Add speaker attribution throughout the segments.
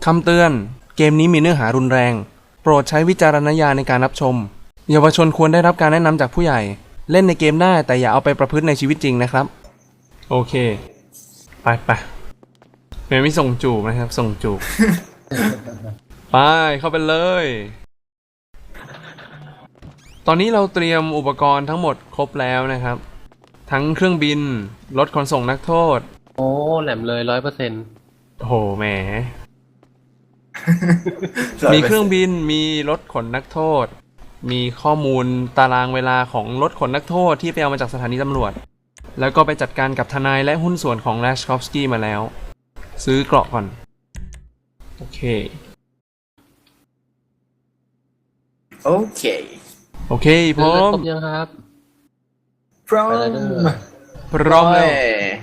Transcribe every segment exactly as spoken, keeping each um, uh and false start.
Speaker 1: คำเตือนเกมนี้มีเนื้อหารุนแรงโปรดใช้วิจารณญาณในการรับชมเยาวชนควรได้รับการแนะนำจากผู้ใหญ่เล่นในเกมได้แต่อย่าเอาไปประพฤติในชีวิตจริงนะครับโอเคไปไปไม่ส่งจูบนะครับส่งจูบ ไปเข้าไปเลยตอนนี้เราเตรียมอุปกรณ์ทั้งหมดครบแล้วนะครับทั้งเครื่องบินรถขนส่งนักโทษ
Speaker 2: โอ้แหลมเลยร้อยเปอร์เซ็นต์
Speaker 1: โหแหม มีเครื่องบินมีรถขนนักโทษมีข้อมูลตารางเวลาของรถขนนักโทษที่ไปเอามาจากสถานีตำรวจแล้วก็ไปจัดการกับทนายและหุ้นส่วนของแรชคอฟสกี้มาแล้วซื้อเกราะก่อนโอเค
Speaker 3: โอเค
Speaker 1: โอเคพร้อม
Speaker 2: ครบยังครับ
Speaker 3: พร้อม
Speaker 1: พร้อมแล้ว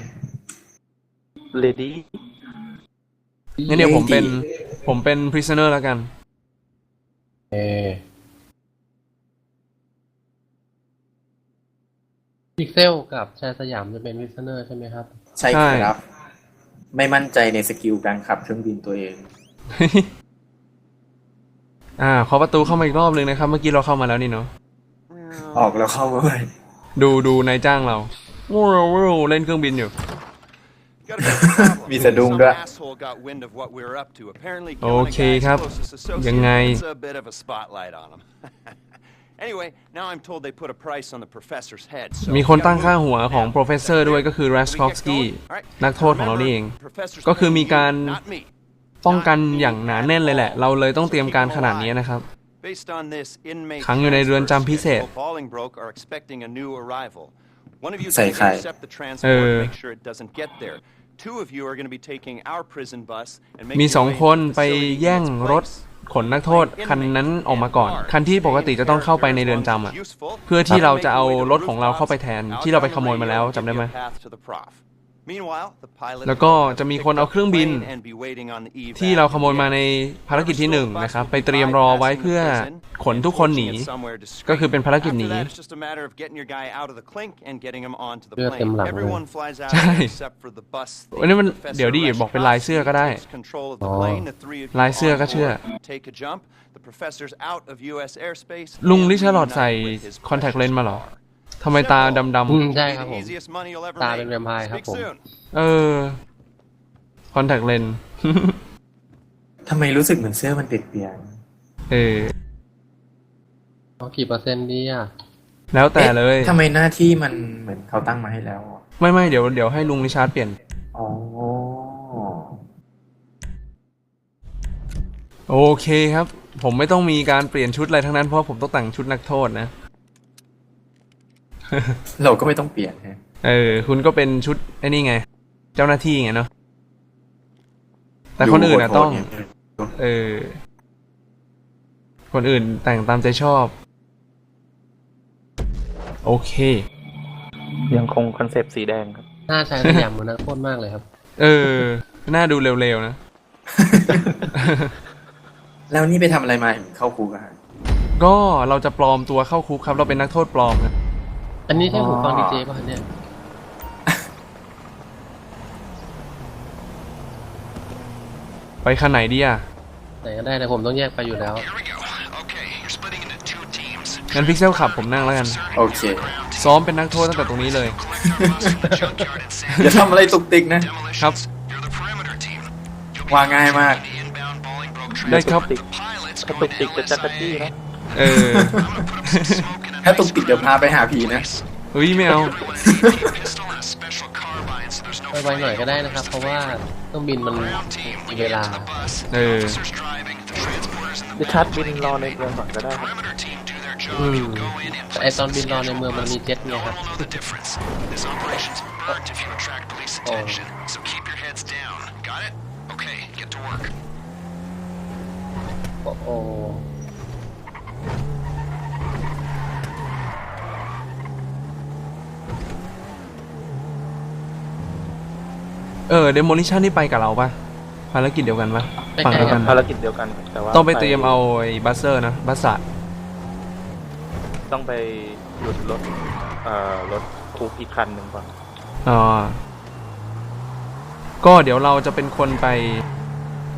Speaker 3: ready
Speaker 1: งั้นเดี๋ยวผมเป็นผมเป็น prisoner แล้วกัน
Speaker 2: เอพิกเซลกับชายสยามจะเป็น prisoner ใช่ไหมครับ
Speaker 3: ใช่ครับไม่มั่นใจในสกิลการขับเครื่องบินตัวเอง
Speaker 1: อ่าขอประตูเข้ามาอีกรอบนึงนะครับเมื่อกี้เราเข้ามาแล้วนี่เนาะ
Speaker 3: ออกแล้วเข้ามาเลย
Speaker 1: ดูดูนายจ้างเราเล่นเครื่องบินอยู่
Speaker 3: มีสะดุ้งด้วย
Speaker 1: โอเคครับยังไงมีคนตั้งค่าหัวของ professor ด้วยก็คือ Rashkovsky นักโทษของเรานี่เองก็คือมีการป้องกันอย่างหนาแน่นเลยแหละเราเลยต้องเตรียมการขนาดนี้นะครับขังอยู่ในเรือนจำพิเศษ
Speaker 3: ใส่ไข่
Speaker 1: เออมีสองคนไปแย่งรถขนนักโทษคันนั้นออกมาก่อนคันที่ปกติจะต้องเข้าไปในเรือนจำอ่ะเพื่อที่เราจะเอารถของเราเข้าไปแทนที่เราไปขโมยมาแล้วจำได้ไหมแล้วก็จะมีคนเอาเครื่องบินที่เราขโมยมาในภารกิจที่หนึ่งนะครับไปเตรียมรอไว้เพื่อขนทุกคนหนีก็คือเป็นภารกิจหนี
Speaker 2: เลือดเต็มหลังเลย
Speaker 1: ใช่วันนี้มันเดี๋ยวดิบอกเป็นลายเสื้อก็ได้ลายเสื้อก็เชื่อลุงลิชาร์ลอดใส่คอนแทคเลนส์มาเหรอทำไมตาดำ
Speaker 2: ๆใช่ครับผมตาเป็นแวมไพร์ครับผม
Speaker 1: เออคอนแทคเลนส์
Speaker 3: ทำไมรู้สึกเหมือนเสื้อมันเปียก
Speaker 1: เออ
Speaker 2: เอากี่เปอร์เซ็นต์ดีอ่ะ
Speaker 1: แล้วแต่เลย
Speaker 3: ทำไมหน้าที่มันเหมือนเขาตั้งมาให้แล้ว
Speaker 1: ไม่ไม่เดี๋ยวเดี๋ยวให้ลุงริชาร์ดเปลี่ยน
Speaker 3: อ๋อ
Speaker 1: โอเคครับผมไม่ต้องมีการเปลี่ยนชุดอะไรทั้งนั้นเพราะผมต้องแต่งชุดนักโทษนะ
Speaker 3: เราก็ไม่ต้องเปลี่ยนฮะ
Speaker 1: เออคุณก็เป็นชุดไอ้นี่ไงเจ้าหน้าที่ไงเนาะแต่คนอื่นอะต้องเออคนอื่นแต่งตามใจชอบโอเค
Speaker 3: ยังคงคอนเซปต์สีแดงครับ
Speaker 2: หน้าชายสยามมันน่าโคตรมากเลยครับ
Speaker 1: เออหน้าดูเร็วๆนะ
Speaker 3: แล้วนี่ไปทำอะไรมาถึงเข้าคุกอะ
Speaker 1: ก็เราจะปลอมตัวเข้าคุกครับเราเป็นนักโทษปลอมนะ
Speaker 2: อันนี้ใช่หูฟังดีเจป่ะเนี่ย
Speaker 1: ไปคันไหนดีอ่ะ
Speaker 2: ไหนก็ได้แต่ผมต้องแยกไปอยู่แล้ว
Speaker 1: งั้นพิกเซลขับผมนั่งแล้วกัน
Speaker 3: โอเค
Speaker 1: ซ้อมเป็นนักโทษตั้งแต่ตรงนี้เลย
Speaker 3: อย่าทำอะไรตุกติกนะครับวางง่ายมาก
Speaker 1: ได้ครับ
Speaker 3: ถ้าตุกติกจะจักรจี้นะ
Speaker 1: เออ
Speaker 3: ถ้าตุกติกเดี๋ยวพาไปหาผีนะ
Speaker 1: เฮ้ยไม่เอา
Speaker 2: ไปไวหน่อยก็ได้นะครับเพราะว่าต้องบินมันมีเวลา
Speaker 1: เออ
Speaker 3: ดิชาร์ดบินรอในเมืองก่อนก็ได้ครับ
Speaker 2: อืมแต่ไอตอนบินรอในเมืองมันมีเจ็ตไงครับโอ้โอ้
Speaker 1: เออเดโมลิชันนี่ไปกับเราปะภารกิจเดียวกันปะ
Speaker 2: ฝั่งเดียวกัน
Speaker 3: ภารกิจเดียวกันแต่ว่า
Speaker 1: ต้องไปเตรียมเอาไอ้บัสเซอร์นะบัสสัต
Speaker 3: ต้องไปหยุดรถเอ่อรถคุกอีกคันหนึ่งก่อน
Speaker 1: อ๋อก็เดี๋ยวเราจะเป็นคนไป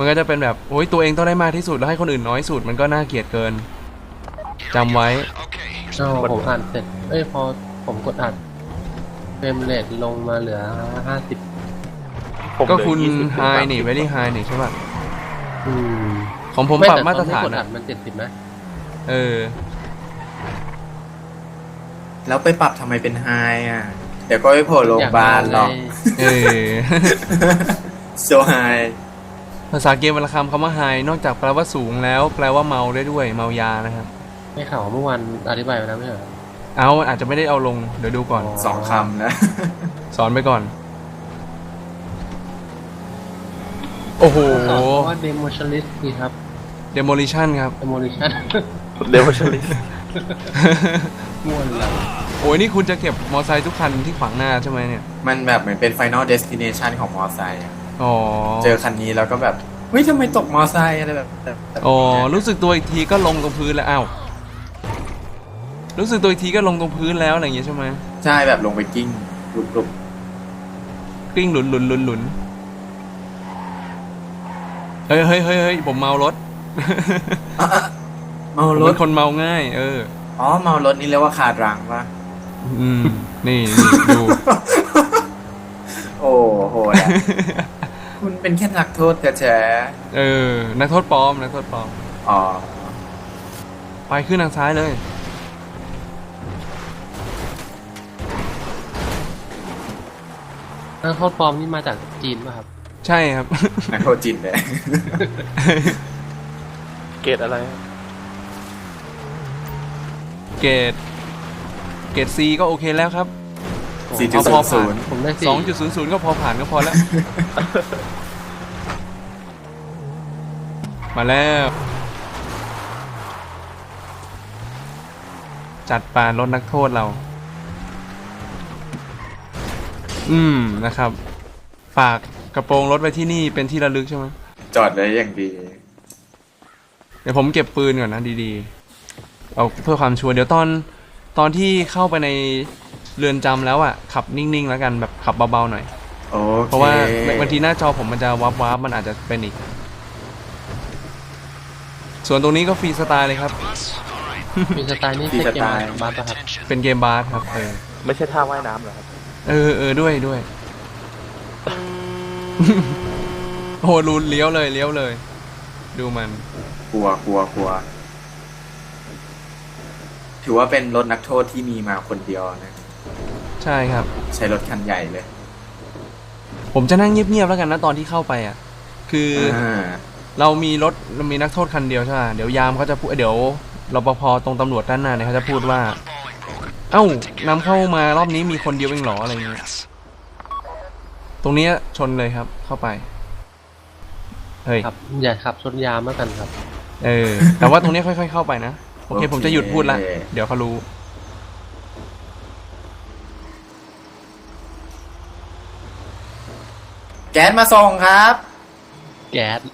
Speaker 1: มันก็จะเป็นแบบโอ้ยตัวเองต้องได้มากที่สุดแล้วให้คนอื่นน้อยสุดมันก็น่าเกลียดเกินจำไว้
Speaker 2: ก็ผมอ่านเสร็จเอ้ยพอผมกดอัดเฟรมเรทลงมาเหลือห้าสิบ
Speaker 4: ผมเหลือ
Speaker 1: ก็คุณ
Speaker 4: ยี่สิบ
Speaker 1: ไฮนี่ very high นี่ใช่ป่ะ
Speaker 2: อืม
Speaker 1: ของผม
Speaker 2: ไม่
Speaker 1: ปรับ
Speaker 2: แต่
Speaker 1: มาตรฐาน
Speaker 2: ตอนที่กดอั
Speaker 1: นะ
Speaker 2: ดมันเจ็ดสิบนะ
Speaker 1: เออ
Speaker 3: แล้วไปปรับทำไมเป็นไฮอ่ะ เดี๋ยวก็ไปโผล่โรงพยาบาลหรอก
Speaker 1: เออ
Speaker 3: โซไฮ
Speaker 1: ภาษาเกมวรรณคำคำว่า high นอกจากแปลว่าสูงแล้วแปลว่าเมาได้ด้วยเมายานะครับ
Speaker 2: ไม่ข่าวเมื่อวานอธิบายไปแล้วไม่ใช่เหรอ
Speaker 1: เอาอาจจะไม่ได้เอาลงเดี๋ยวดูก่อน
Speaker 3: สองคำนะ
Speaker 1: สอนไปก่อน โอ้โห
Speaker 2: สอนว่า demolitionist นี่ครับ
Speaker 1: demolition ครับ
Speaker 2: demolition
Speaker 4: เดี๋ยวฉันลิส
Speaker 2: ม่วนแล้ว
Speaker 1: โอ้ยนี่คุณจะเก็บมอไซค์ทุกคันที่ขวางหน้าใช่ไหมเนี่ย
Speaker 3: มันแบบเหมือนเป็น Final Destination ของมอไซค์อะ
Speaker 1: อ๋อ
Speaker 3: เจอคันนี้แล้วก็แบบ เฮ้ยทำไมตกมอไซค์อะไรแบบแบบแบบ
Speaker 1: อ๋อ รู้สึกตัวอีกทีก็ลงตรงพื้นแล้วอ้าวรู้สึกตัวอีกทีก็ลงตรงพื้นแล้วอะไรอย่างเงี้ยใช่ไหม
Speaker 3: ใช่แบบลงไปกิ้งลุก
Speaker 1: กลิ้งหลุนหลุนหลุนหลุนเฮ้ยเฮ้ยเฮ้ยเฮ้ยผมเมารถ
Speaker 3: ๆอ่ะอ่ะเมา
Speaker 1: ผม
Speaker 3: ร
Speaker 1: เป็
Speaker 3: ถ
Speaker 1: นคนเมาง่าย เออ
Speaker 3: อ๋อ เมารถนี่เรียกว่าขาดรังปะ
Speaker 1: อืม นี่นี่ดู
Speaker 3: โอ้โหแหละ คุณเป็นแค่นักโทษกระแฉ
Speaker 1: เออ นักโทษปลอม นักโทษปลอม
Speaker 3: อ๋อ
Speaker 1: ไปขึ้นทางซ้ายเลย
Speaker 2: นักโทษปลอมนี่มาจากจีนป่ะครับ
Speaker 1: ใช่ครับ
Speaker 3: นักโทษจินเลย
Speaker 4: เกรดอะไร
Speaker 1: เกรดเกรด C ก็โอเคแล้วครับ
Speaker 3: สี่จุด
Speaker 1: เอา
Speaker 3: ศู
Speaker 1: พอน
Speaker 3: ย์
Speaker 1: ผ่าน
Speaker 3: ศูนย์
Speaker 2: ผมได้สี่
Speaker 1: สองจุดศูนย์ศูนย์ก็พอผ่านก็พอแล้ว มาแล้ว จัดปานรถนักโทษเรา อืมนะครับ ฝากกระโปรงรถไว้ที่นี่เป็นที่ระลึกใช่ไหม
Speaker 3: จอดไว้อย่างดี
Speaker 1: เดี๋ยวผมเก็บปืนก่อนนะดีๆ เอาเพื่อความชัวร์เดี๋ยวตอนตอนที่เข้าไปในเรือนจำแล้วอ่ะ ขับนิ่งๆแล้วกันแบบขับเบาๆหน่อย
Speaker 3: โอเค
Speaker 1: เพราะว่าบางทีหน้าจอผมมันจะวับวับมันอาจจะเป็นอีก ส่วนตรงนี้ก็ฟรีสไตล์เลยครับ
Speaker 2: มีสไตล์นี่ใช่เกมบาสป่ะครับ
Speaker 1: เป็นเกมบาสครับเออ
Speaker 4: ไม่ใช่ท่าว่ายน้ำเหรอครับ
Speaker 1: เออเออด้วยด้วย โอ้โหรูนเลี้ยวเลยเลี้ยวเลย ดูมัน
Speaker 3: กลัวกลัวกลัว ถือว่าเป็นรถนักโทษที่มีมาคนเดียวนะ
Speaker 1: ใช่ครับ
Speaker 3: ใช้รถคันใหญ่เลย
Speaker 1: ผมจะนั่งเงียบๆแล้วกันนะตอนที่เข้าไปอ่ะ คืออ
Speaker 3: อ่า
Speaker 1: เรามีรถเรามีนักโทษคันเดียวใช่ไหมเดี๋ยวยามเขาจะพูดเดี๋ยวรปภตรงตำรวจด้านหน้าเนี่ยเขาจะพูดว่า เอ้านำเข้ามารอบนี้มีคนเดียวเองเหรออะไรเงี้ยตรงเนี้ยชนเลยครับ เข้าไปเฮ้ย
Speaker 2: ครับ อย่าขับชนยามแล้วกันครับ
Speaker 1: เออ แต่ว่าตรงเนี้ยค่อยๆเข้าไปนะโอเค ผมจะหยุดพูดละเดี๋ยวเขารู้
Speaker 3: แก๊สมาส่งครับ
Speaker 2: แก๊ส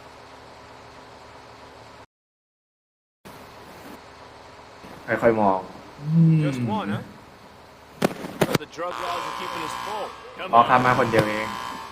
Speaker 3: ค่อยๆมอง
Speaker 5: Just one, huh? Well, the drug laws are keeping us full. Come
Speaker 3: อ๋อ
Speaker 5: on.
Speaker 3: ครับมาคนเดียวเอง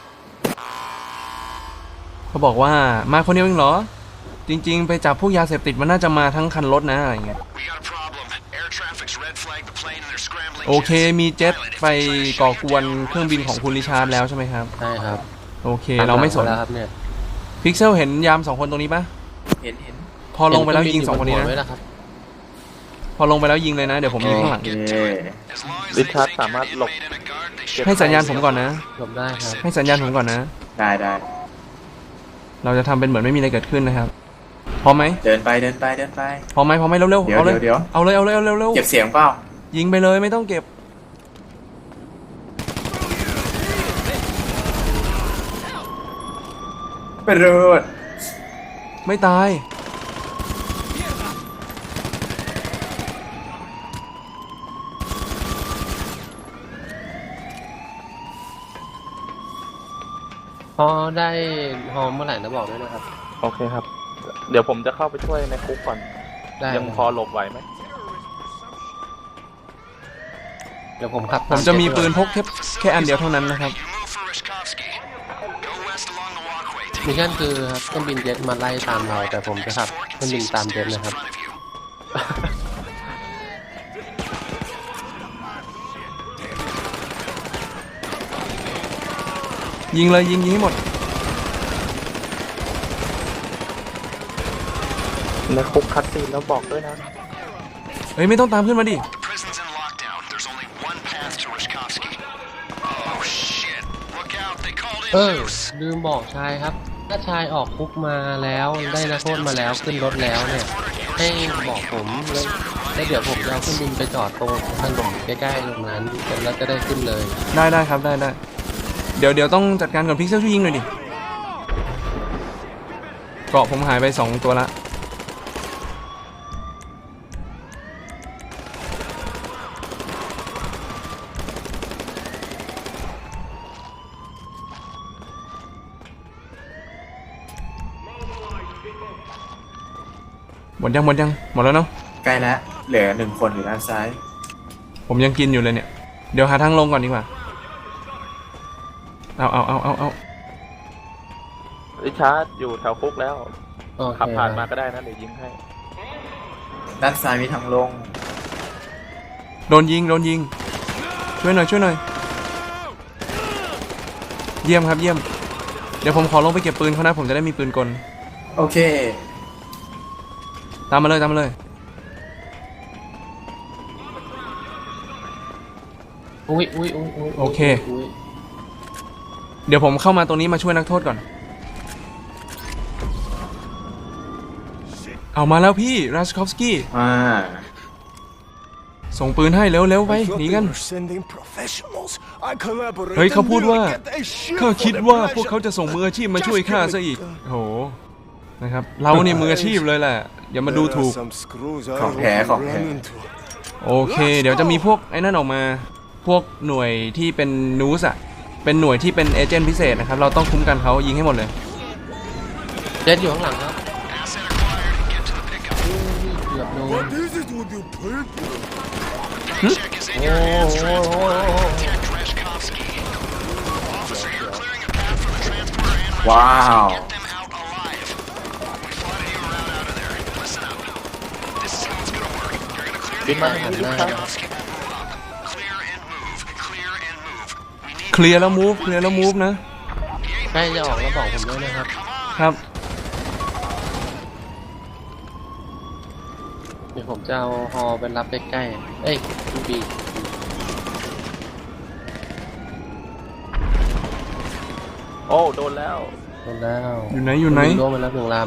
Speaker 1: เขาบอกว่ามาคนเดียวเองเหรอ จริงๆ ไปจับพวกยาเสพติดมันน่าจะมาทั้งคันรถนะอะไรเงี้ย
Speaker 5: We got a problem. Air traffic's red flagged the plane and they're scrambling.
Speaker 1: โอเค มีเจ็ตไปก่อกวนเครื่องบินของคุณริชาร์ดแล้วใช่ไหมครับ
Speaker 2: ใช่ครับ
Speaker 1: โอเค เราไม่สน
Speaker 2: แล้วครับเนี่ย
Speaker 1: พิกเซลเห็นยามสองคนตรงนี้ปะ
Speaker 3: เห็นเห็น
Speaker 1: พอลงไปแล้วยิงสองคนนี้
Speaker 2: เห็
Speaker 1: นะ
Speaker 2: เครื่บิยู่บหัวไว้แล้วครับ
Speaker 1: พอลงไปแล้วยิงเลยนะ เดี๋ยวผมยิงข้างหลัง
Speaker 3: โอเค
Speaker 5: As long as
Speaker 4: ริชาร์ด
Speaker 5: they
Speaker 4: สามารถหลบ
Speaker 5: made in a guard, they
Speaker 4: เก็บ
Speaker 1: ให้สัญญาณผมก่อนนะ
Speaker 2: หลบได้ครับ
Speaker 1: ให้สัญญาณผมก่อนนะ
Speaker 3: ได้ได้
Speaker 1: เราจะทำเป็นเหมือนไม่มีอะไรเกิดขึ้นนะครับ พร้อมไหม
Speaker 3: เดินไปเดินไปเดินไป
Speaker 1: พร้อมไหมพร้อมไหมเร็ว
Speaker 3: เดี๋
Speaker 1: ๆ
Speaker 3: ยว
Speaker 1: เอาเลย
Speaker 3: เดี๋ยว
Speaker 1: เอาเลย เอาเลย เอาเร็วเร็ว
Speaker 3: เก็บเสียงเปล่า
Speaker 1: ยิงไปเลยไม่ต้องเก็บ
Speaker 3: ไปเรูด
Speaker 1: ไม่ตาย
Speaker 2: พอได้ฮอมเมื่อไหร่นะบอกด้วยนะครับ
Speaker 4: โอเคครับ เดี๋ยวผมจะเข้าไปช่วยในคุกก่อน
Speaker 2: ได้
Speaker 4: ยังพอหลบไหวไหม
Speaker 2: เดี๋ยวผมขับ
Speaker 1: ผมจะมีปืนพกแค่แค่อันเดียวเท่านั้นนะครับ
Speaker 5: You move for Rishkovsky. Go west along the walkway.
Speaker 2: มิชชั่นคือครับเครื่องบินเจ็ตมาไล่ตามเราแต่ผมจะขับเครื่องบินตามเจ็ตนะครับ
Speaker 1: ยิงเลยยิงยิงให้หมด
Speaker 4: ในคุกคัดซีนแล้วบอกด้วยนะ
Speaker 1: เฮ้ยไม่ต้องตามขึ้นมาดิ
Speaker 6: Prison's in lockdown. There's only one path to Rishkovsky. Oh shit! Look out! They called
Speaker 2: เอ
Speaker 6: in
Speaker 2: อ
Speaker 6: Zeus.
Speaker 2: ลืมบอกชายครับ ถ้าชายออกคุกมาแล้วได้นักโทษมาแล้วขึ้นรถแล้วเนี่ยให้บอกผมแล้วแล้วเดี๋ยวผมจะเอาเครื่องบินไปจอดตรงถนนใกล้ๆตรงนั้นแล้วจะได้ขึ้นเลย
Speaker 1: ได้ได้ครับได้ได้เดี๋ยวเดี๋ยวต้องจัดการก่อนพิกเซลช่วยยิงหน่อยดิเกราะผมหายไปสองตัวละหมดยังหมดยังหมดแล้วเนาะ
Speaker 3: ใกล้แล้วเหลือหนึ่งคนอยู่ด้านซ้าย
Speaker 1: ผมยังกินอยู่เลยเนี่ยเดี๋ยวหาทางลงก่อนดีกว่าเอาเอาเอาเอาเอา
Speaker 4: ริชาร์ดอยู่แถวคุกแล้ว
Speaker 2: โอเค
Speaker 4: ขับผ่านมาก็ได้นะเดี๋ยวยิงให้
Speaker 3: ด้านซ้ายมีทางลง
Speaker 1: โดนยิงโดนยิงช่วยหน่อยช่วยหน่อยเยี่ยมครับเยี่ยมเดี๋ยวผมขอลงไปเก็บปืนเขานะผมจะได้มีปืนกล
Speaker 3: โอเค
Speaker 1: ตามมาเลยตามมาเลย
Speaker 2: อุ้ยอุ้ยอุ้ยอุ้ย
Speaker 1: โอเค
Speaker 2: อุ้ย
Speaker 1: เดี๋ยวผมเข้ามาตรงนี้มาช่วยนักโทษก่อนเอามาแล้วพี่ราชคอฟสกี้
Speaker 3: มา
Speaker 1: ส่งปืนให้เร็วเร็วไปหนีกัน เฮ้ยเขาพูดว่าข้าคิดว่าพวกเขาจะส่งมืออาชีพมาช่วยข้าซะอีกโหนะครับเราเนี่ยมืออาชีพเลยแหละอย่ามาดูถูก
Speaker 3: ของแท้ของแท้
Speaker 1: โอเค เดี๋ยวจะมีพวกไอ้นั่นออกมาพวกหน่วยที่เป็นนูสอะเป็นหน่วยที่เป็นเอเจนต์พิเศษนะครับเราต้องคุ้มกันเขายิงให้หมดเลย
Speaker 2: เจ็ตอยู่ข้างหลังครับเกือบโดน
Speaker 6: Check his in
Speaker 2: โอ้
Speaker 6: your hands.
Speaker 2: โห
Speaker 6: Protect Rishkovsky. Officer, you're clearing a path for the transporter and
Speaker 3: ว้าว
Speaker 6: get them out alive. We plotted you a route out of there. Listen up. This is how it's gonna work. You're gonna clear
Speaker 4: บิน
Speaker 6: the
Speaker 4: มา
Speaker 6: area.
Speaker 4: ทางนี้ริชาร์ด
Speaker 6: Rishkovsky will move up. Clear and move. Clear and move. We need
Speaker 1: เคลียร์แล้วมูฟเคลียร์แล้วมูฟนะ
Speaker 2: ใกล้จะออกแล้วบอกผมด้วยนะครับ
Speaker 1: ครับ
Speaker 2: เดี๋ยวผมจะเอาฮอไปรับใกล้ๆเอ้ยคุณบี
Speaker 4: โอ้โดนแล้ว
Speaker 2: โดนแล้ว
Speaker 1: อยู่ไหนอยู่ไหน
Speaker 2: โดนมาแล้วหนึ่งลำ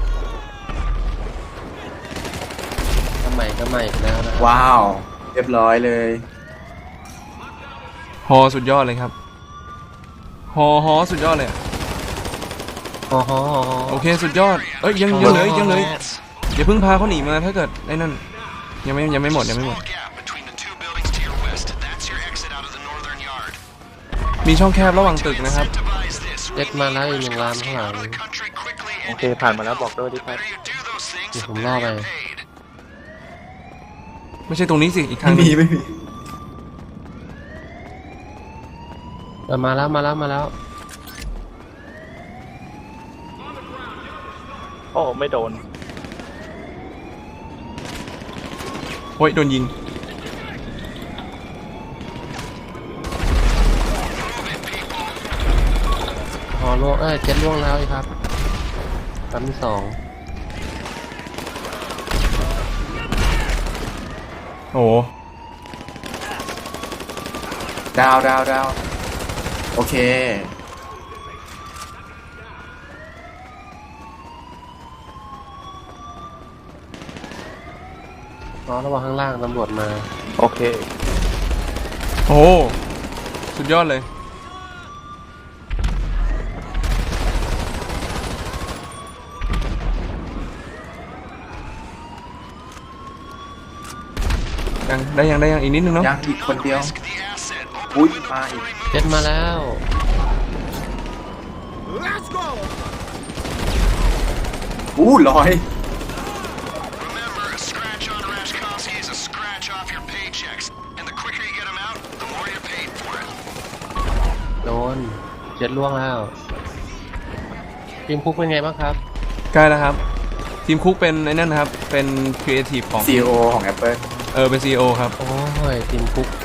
Speaker 2: ก็ใหม่ก็ใหม่อีกแล้วนะครับ
Speaker 3: ว้าว เรียบร้อยเลย
Speaker 1: ฮอสุดยอดเลยครับฮอฮอสุดยอดเลยอะ
Speaker 2: ฮอฮอฮอฮอ
Speaker 1: โอเคสุดยอดเอ้ยยังยังเหลยยังเหลยอย่าเพิ่งพาเขาหนีมาถ้าเกิดไอ้นั่นยังไม่ยังไม่หมดยังไม่หมด
Speaker 6: small gap between the two buildings to your west. That's your exit out of the northern yard.
Speaker 1: มีช่องแคบระหว่างตึกนะครับ
Speaker 6: Devise this.
Speaker 2: เจ็ตมาแล้วอีกหนึ่งลำข้างหลัง
Speaker 6: The country quickly
Speaker 4: โอ
Speaker 6: and
Speaker 4: เคผ่านมาแล้วบอกด้วยริชาร์ด
Speaker 6: better you do those things
Speaker 2: เดี๋ยว
Speaker 6: so
Speaker 2: ผมล่อไป
Speaker 6: they get paid.
Speaker 1: ไม่ใช่ตรงนี้สิอีกทา
Speaker 3: ไม่
Speaker 1: งหนึ่
Speaker 3: มี
Speaker 1: ง
Speaker 3: ไม่มี
Speaker 2: เออมาแล้วมาแล้วมาแล้ว
Speaker 4: โอ้ไม่โดน
Speaker 1: โอ้ยโดนยิง
Speaker 2: ฮอล่วงเอ้ยเจ็ตล่วงแล้วอีกครับลำที่สอง
Speaker 1: โอ้
Speaker 3: ดาวดาวดาวโอเค
Speaker 2: ฮอระวังข้างล่างตำรวจมา
Speaker 4: โอเค
Speaker 1: โอ้สุดยอดเลยยังได้ยังได้ยังอีกนิดนึงเนาะ
Speaker 3: ยังอีกคนเดียว
Speaker 6: The asset.
Speaker 3: อุ้ยมาอีก
Speaker 2: เจ็ตมาแล้ว
Speaker 5: Let's go!
Speaker 3: อู้ลอย
Speaker 6: Remember, a scratch on Rashkovsky is a scratch off your paychecks. And the quicker you get them out, the more you're paid for it.
Speaker 2: โดนเจ็ตล่วงแล้วทีมคุกเป็นไงบ้างครับ
Speaker 1: ใกล้แล้วครับ ทีมคุกเป็นไอ้นั่นนะครับ เป็นครีเอทีฟของ
Speaker 3: ซี อี โอ ของ Apple
Speaker 1: เออเป็น ซี อี โอ ครับ
Speaker 2: โอ้ยทีมคุก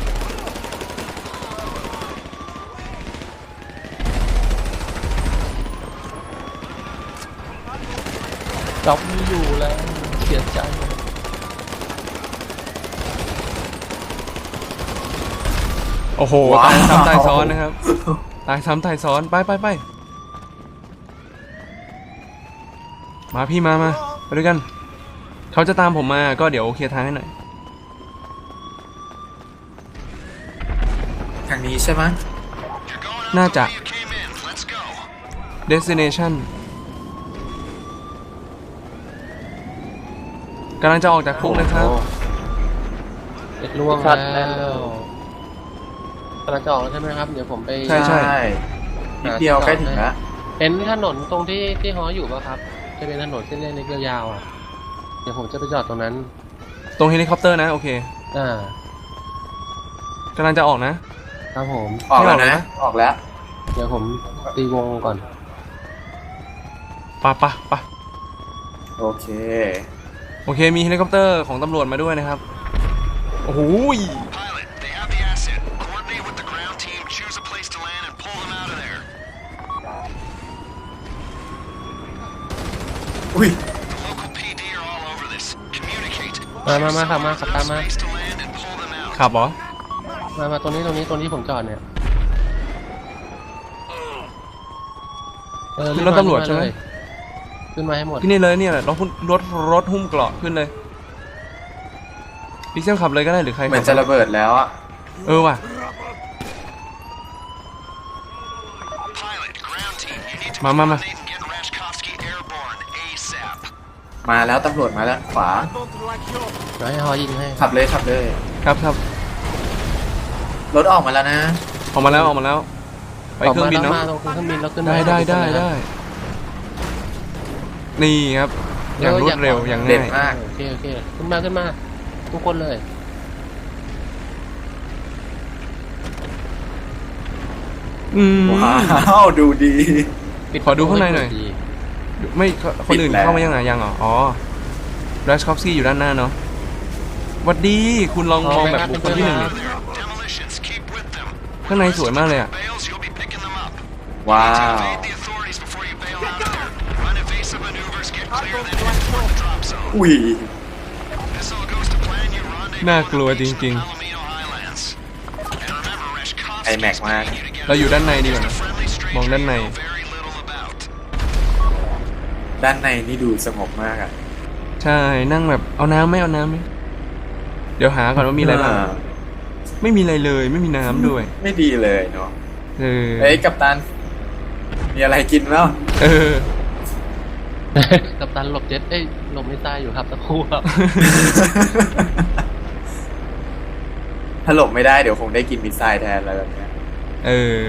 Speaker 2: จ็อบไม่อยู่แล้วเสียใจ
Speaker 1: โอ้โห
Speaker 3: ว้าว
Speaker 1: ตายซ้ำตายซ้อนนะครับ ตายซ้ำตายซ้อน ไปไปไปมาพี่มามาไปด้วยกัน เขาจะตามผมมาก็เดี๋ยวเคลียร์ทางให้หน่อย
Speaker 3: ทางนี้ใช่ไหม
Speaker 1: น่าจะ
Speaker 6: You came in. Let's go.
Speaker 1: destination กำลังจะออกจากคุกนะครับ
Speaker 2: เด็กล่วง
Speaker 4: ชั
Speaker 2: แล้
Speaker 4: ดแน่นเล
Speaker 2: วย กำลังจะออกแล้วใช่ไหมครับ เดี๋ยวผมไป
Speaker 1: ใช่ใช่
Speaker 3: นิดเดียวใกล้ถึงแล้ว
Speaker 2: เห็นถนนตรงที่ที่ฮออยู่ป่ะครับ จะเป็นถนนเส้นเล็กๆยาวๆอ่ะ เดี๋ยวผมจะไปจอดตรงนั้น
Speaker 1: ตรงเฮลิคอปเตอร์นะ โอเค
Speaker 2: อ่าก
Speaker 1: ำลังจะออกนะ
Speaker 2: ครับผม
Speaker 3: ออกแล้ว
Speaker 1: ไม่ออกเลย
Speaker 3: นะ
Speaker 1: นะ
Speaker 3: ออกแล้ว
Speaker 2: เดี๋ยวผมตีวงก่อน
Speaker 1: ปะปะปะ
Speaker 3: โอเค
Speaker 1: โอเค มีเฮลิคอปเตอร์ของตำรวจมาด้วยนะครับ โอ้โห
Speaker 6: Pilot, they have the asset. Coordinate with the ground team, choose a place to land, and pull them out of there.
Speaker 3: อุ้ย
Speaker 6: The local พี ดี are all over this. Communicate.
Speaker 2: มามามาขับมาขับตามมา
Speaker 6: Place to land and pull them out.
Speaker 1: ขับเหรอ
Speaker 2: มามาตรงนี้ตรงนี้ตรงที่ผมจอดเนี่ยเออ
Speaker 1: ขึ้นรถตำรวจใช่ไหม
Speaker 2: ขึ้นมาให้หมด
Speaker 1: ที่นี่เลยเนี่ยแหละรถหุ้มรถรถหุ้มเกราะขึ้นเลยพิเซลขับเลยก็ได้หรือใคร
Speaker 3: เหมือน
Speaker 1: ขั
Speaker 3: จะ
Speaker 1: บ
Speaker 3: ระเบิดแล้วอ่ะ
Speaker 1: เออว่ะ
Speaker 6: Pilot, ground team, you need to
Speaker 1: มามามา
Speaker 6: coordinate and get Rashkovsky airborne ASAP.
Speaker 3: มาแล้วตำรวจมาแล้วขวา
Speaker 2: เดี๋ยวให้ฮอยิงให้
Speaker 3: ขับเลยขับเลย
Speaker 1: ครับครับ
Speaker 3: รถออกมาแล้วนะ
Speaker 1: ออกมาแล้วออกมาแล้ว ไปเครื่องบิน
Speaker 2: ก
Speaker 1: เนาะ
Speaker 2: มาตรงเครื่องบินแล้วขึ้น
Speaker 1: ได้
Speaker 2: มา
Speaker 1: ได้
Speaker 2: ขึ้น
Speaker 1: ได้
Speaker 2: มา
Speaker 1: ได้ นี่ครับ อย่างรวดเร็วอย่าง
Speaker 3: เด็ด
Speaker 1: ง่าย
Speaker 3: มาก
Speaker 2: โอเคโอเคขึ้นมาขึ้นมา ทุกคนเลย
Speaker 1: อืม
Speaker 3: ว้าว ดูดี
Speaker 2: ปิด
Speaker 1: ขอดูข้างในหน่อย
Speaker 2: ดี
Speaker 1: ไม่คนอื่น
Speaker 3: ปิดแล้ว
Speaker 1: เข้ามายังไงยังเหรออ๋อรัชคอฟสกี้อยู่ด้านหน้าเนาะหวัดดีคุณลองมองแบบบุคคลที่หนึ่งดิ
Speaker 6: Demolitions, keep with them.
Speaker 1: ข้างในสวยมากเลยอ่ะ
Speaker 6: Bales, you'll be picking them up.
Speaker 3: ว้าว
Speaker 6: Evade the authorities before you bail out of there. Run evasive maneuvers, get clear, then head toward the drop zone.
Speaker 3: อุ้ย
Speaker 6: This all goes to plan. You rendezvous
Speaker 1: น่ากลัวจริง
Speaker 6: Palomino Highlands. And remember, Rashkovsky
Speaker 3: ไอแม็กมาก
Speaker 1: ๆ เราอยู่ด้านในดีกว่านะ
Speaker 6: friendly stranger
Speaker 1: มองด้านใน
Speaker 6: you know very little about.
Speaker 3: ด้านในนี่ดูสงบมากอ่ะ
Speaker 1: ใช่นั่งแบบเอาน้ำไหมเอาน้ำไหมเดี๋ยวหาก่อนว่ามีอะไรบ้างไม่มีอะไรเลยไม่มีน้ำด้วย
Speaker 3: ไม่ดีเลยเนาะ
Speaker 1: เออ
Speaker 3: เอ้ยกัปตัน มีอะไรกินแล้ว
Speaker 1: เออ
Speaker 2: กัปตันหลบเจ็ตเอ้ยหลบไม่ตายอยู่ครับตะครู่ครับ
Speaker 3: ถ้าหลบไม่ได้เดี๋ยวคงได้กินมิสไซล์แทนอะไรแบบเนี้ย
Speaker 1: เออ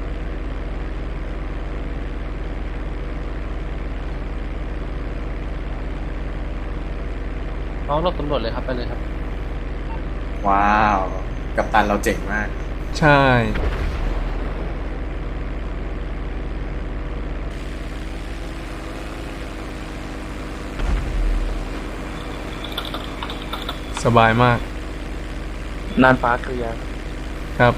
Speaker 2: น้องหลบตำรวจเลยครับไปเลยครับ
Speaker 3: ว้าว กัปตันเราเจ๋งมาก
Speaker 1: ใช่ สบายมาก
Speaker 4: น่านฟ้าเคลียร์
Speaker 1: ครับ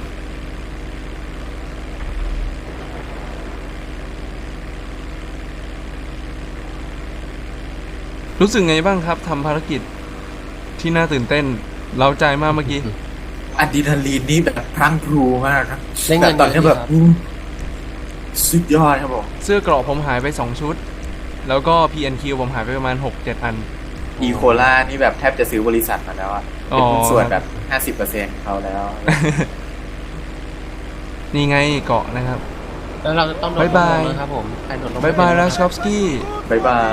Speaker 1: รู้สึกไงบ้างครับทำภารกิจที่น่าตื่นเต้นเร้าใจมากเมื่อกี้
Speaker 3: อะดรีนาลีนนี่แบบพรั่งพรูมากครับ
Speaker 2: ได้เงิน
Speaker 3: แบบตอนนี้
Speaker 2: เยอะ
Speaker 3: แบบ
Speaker 2: ดีครับ
Speaker 3: อู้สุดยอดครับผม
Speaker 1: เสื้อเกราะผมหายไปสองชุด แล้วก็ พี เอ็น คิว ผมหายไปประมาณ หกเจ็ด อัน
Speaker 3: อีโคล่านี่แบบแทบจะซื้อบริษัทมาแล้วอะ
Speaker 1: อ๋
Speaker 3: เป็น
Speaker 1: อ
Speaker 3: หุ้นส่วนแบบห้าสิบเปอร์เซ็นต์เขาแล้ว
Speaker 1: นี่ไงเกาะนะครับ
Speaker 2: แล้วเราจะต้องโดน
Speaker 1: บ๊ายบาย
Speaker 2: ลงนะครับผมใครโดนลง
Speaker 1: บายบาย
Speaker 2: ไม่
Speaker 1: รา
Speaker 2: เป็น
Speaker 1: ช
Speaker 2: ไร
Speaker 1: คอฟสกี้
Speaker 3: บายบาย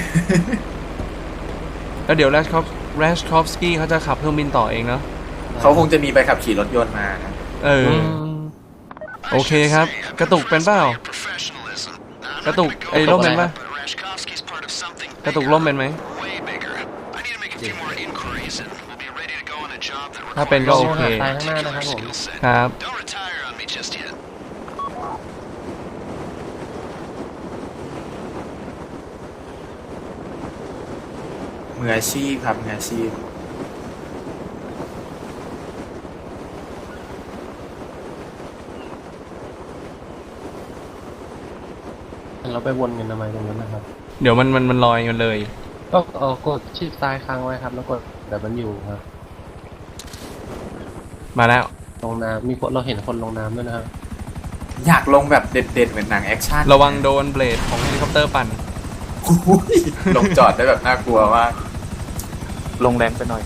Speaker 1: แล้วเดี๋ยวราชคอฟราชคอฟสกี้เขาจะขับเครื่องบินต่อเองเนาะ
Speaker 3: เขาคงจะมีใบขับขี่รถยนต์มานะ
Speaker 1: เออ
Speaker 2: อืม
Speaker 1: โอเคครับ กระตุกเป็นเปล่า
Speaker 6: Professionalism. Now, I'm
Speaker 1: กระตุก
Speaker 6: not gonna
Speaker 1: ไอ้
Speaker 6: go
Speaker 1: ร่มเป็นปะ
Speaker 6: but Rashkovsky's part of something
Speaker 1: กระตุกร่มเป็นไหม
Speaker 6: way bigger. I need to make a few more inquiries and we'll be ready to go on a job that
Speaker 1: ถ้าเป็นก็
Speaker 6: requires
Speaker 1: โอเค
Speaker 2: ตายข้างหน้านะครับผม
Speaker 6: skill set.
Speaker 1: ครับ
Speaker 6: Don't retire on me just yet.
Speaker 3: มืออาชีพครับมืออาชีพ
Speaker 2: เราไปวนกันทำไมตรงนั้นนะครับ
Speaker 1: เดี๋ยวมันมันมันลอยกันเลย
Speaker 2: ก็เออกดชิปซ้ายค้างไว้ครับ แล้วกดแต่มันอยู่ครับ
Speaker 1: มาแล้ว
Speaker 2: ลงน้ำมีคนเราเห็นคนลงน้ำด้วยนะครับ
Speaker 3: อยากลงแบบเด็ดๆเหมือนหนังแอคชั่น
Speaker 1: ระวังโดนเบลดของเฮลิคอปเตอร์ปั่น
Speaker 3: อุ้ยลงจอดได้แบบน่ากลัวมาก
Speaker 4: ลงแรงไปหน่อย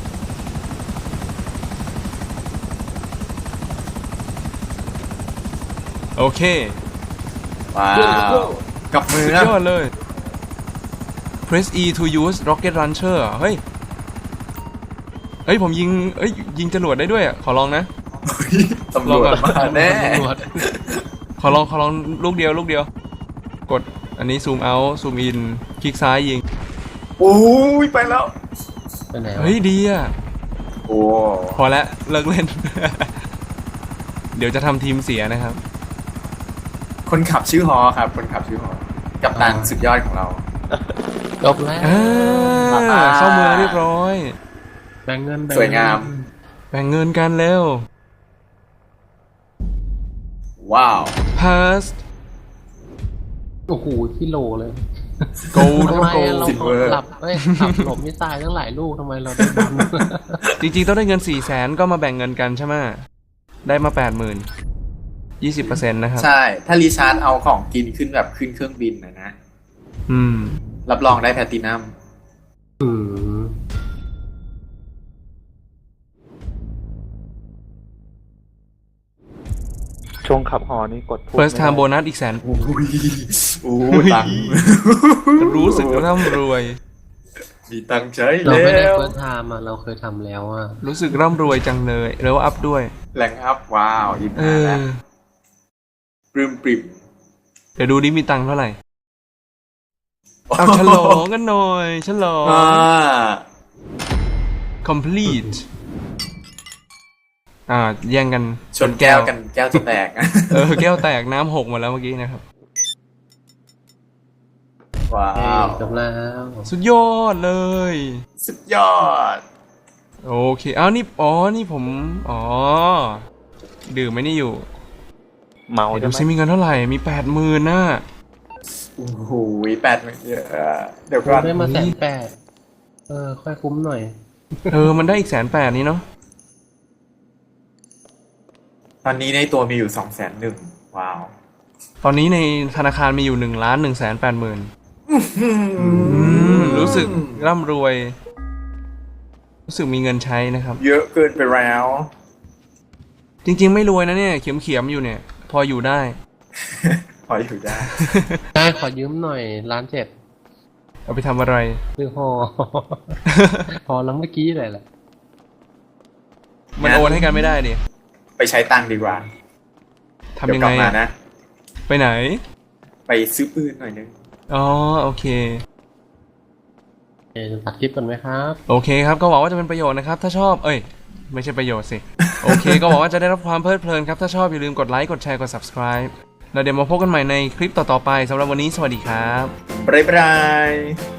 Speaker 1: โอเค
Speaker 3: ว้าวกับมือ
Speaker 1: สุด
Speaker 3: นะ
Speaker 1: ยอดเลย press E to use rocket launcher เฮ้ย เฮ้ย ผมยิงเอ้ย ยิงจรวดได้ด้วยอ่ะ ขอลองนะ
Speaker 3: ตำรวจมาแน่
Speaker 2: ตำรวจ
Speaker 1: ขอลอง ขอลองลูกเดียว ลูกเดียว กด อันนี้ซูมเอาซูมอิน คลิกซ้ายยิง
Speaker 3: โอ้ยไปแล้ว
Speaker 2: ไปไหนวะ
Speaker 1: เฮ้ย ดีอ่ะ
Speaker 3: โอ้
Speaker 1: พอแล้วเลิกเล่น เดี๋ยวจะทำทีมเสียนะครับ
Speaker 3: คนขับชื่อฮอครับ คนขับชื่อฮอกัปตันสุดยอดของเรา
Speaker 2: จบแล้ว
Speaker 1: อ่าเข้าเมืองเรียบร้อย
Speaker 2: แบ่งเงินแบ่
Speaker 3: สวยงาม
Speaker 1: แบ่งเงินกันแล้ว
Speaker 3: ว้าว
Speaker 1: pass
Speaker 2: โอ้โหที่โหลเลย
Speaker 1: gold
Speaker 2: ทำไม
Speaker 1: gold
Speaker 2: เรา
Speaker 3: Silver
Speaker 2: หลับเอ้ยขับหลบมิสไซล์ทั้งหลายลูกทำไมเราได้บุญ
Speaker 1: จริงๆ ต้องได้เงินสี่แสนก็มาแบ่งเงินกันใช่ไหมได้มาแปดหมื่นยี่สิบเปอร์เซ็นต์นะครับ
Speaker 3: ใช่ ถ้ารีชาร์จเอาของกินขึ้นแบบขึ้นเครื่องบินนะนะ
Speaker 1: อืม
Speaker 3: รับรองได้แพลตตินัม
Speaker 2: อืม
Speaker 4: ช่วงขับหอนี่กดพูด
Speaker 1: first
Speaker 4: ไม่
Speaker 1: time
Speaker 4: ได้
Speaker 1: bonus อีกแสน
Speaker 3: อุ้ยโอ้ตังค์
Speaker 1: รู้สึกร่ำรวย
Speaker 3: มีตังค์ใช้
Speaker 2: เรา
Speaker 3: แล้
Speaker 2: ไม่ได้
Speaker 3: ว
Speaker 2: เฟิร์สไทม์อ่ะเราเคยทำแล้วอ่ะ
Speaker 1: รู้สึกร่ำรวยจังเลยแล้วอัพด้วย
Speaker 3: แรงอัพว้าวยิ้ม
Speaker 1: เอ
Speaker 3: หน้า
Speaker 1: อ
Speaker 3: แล้วปริมปริม
Speaker 1: เดี๋ยวดูดิมีตังค์เท่าไหร่ เอาฉลองกันหน่อยฉลอง
Speaker 3: อ่า
Speaker 1: complete อ่า แย่งกัน
Speaker 3: ชนแก้วกันแก้วจะแตก
Speaker 1: เออ แก้วแตกน้ำหกหมดแล้วเมื่อกี้นะครับ
Speaker 3: ว้า
Speaker 2: เอ้ยว จบแล้ว
Speaker 1: สุดยอดเลย
Speaker 3: สุดยอด
Speaker 1: โอเคอ้าวนี่ อ๋อ นี่ผม อ๋อ ดื่มไม่นี่อยู่
Speaker 4: เมา
Speaker 1: เดี๋ยว
Speaker 4: ใช่
Speaker 1: ดู
Speaker 4: ไหม
Speaker 1: ซิมีเงินเท่าไหร่ มีแปดหมื่นน่ะ
Speaker 3: โอ้โหแปดหมื่นเยอะเดี๋ยว
Speaker 2: ผม
Speaker 3: ก่อน
Speaker 2: ได้มาแสนแปดเออ ค่อยคุ้มหน่อย
Speaker 1: เออ มันได้อีกแสนแปดนี้เนาะ
Speaker 3: ตอนนี้ในตัวมีอยู่สองแสนหนึ่งว้าว
Speaker 1: ตอนนี้ในธนาคารมีอยู่หนึ่งล้านหนึ่งแสนแปดหมื่นรู้สึกร่ำรวย รู้สึกมีเงินใช้นะครับ
Speaker 3: เยอะเกินไปแล้ว
Speaker 1: จริง ๆ ไม่รวยนะเนี่ย เขียมๆอยู่เนี่ย พออยู่ได้
Speaker 3: พออยู่ได้
Speaker 2: ได้ขอยืมหน่อยล้านเจ็ด
Speaker 1: เอาไปทำอะไร
Speaker 2: ซื้อหอ พอแล้วเมื่อกี้เลยแหละ
Speaker 1: มันโอนให้กันไม่ได้ดิ
Speaker 3: ไปใช้ตังค์ดีกว่า
Speaker 1: ทำ
Speaker 3: เดี๋ย
Speaker 1: ยั
Speaker 3: ว
Speaker 1: ง
Speaker 3: กลั
Speaker 1: ไง
Speaker 3: บมา
Speaker 1: อะ
Speaker 3: นะ
Speaker 1: ไปไหน
Speaker 3: ไปซื้อปืนหน่อยนึง
Speaker 1: อ๋อ โอเค
Speaker 2: เออตัดคลิปกันไหมครับ
Speaker 1: โอเคครับ ก็หวังว่าจะเป็นประโยชน์นะครับ ถ้าชอบ เอ้ย ไม่ใช่ประโยชน์สิ โอเค ก็หวังว่าจะได้รับความเพลิดเพลินครับ ถ้าชอบอย่าลืมกดไลค์ กดแชร์ กด subscribe แล้วเดี๋ยวมาพบกันใหม่ในคลิปต่อๆไปสำหรับวันนี้สวัสดีครับ
Speaker 3: บ๊ายบาย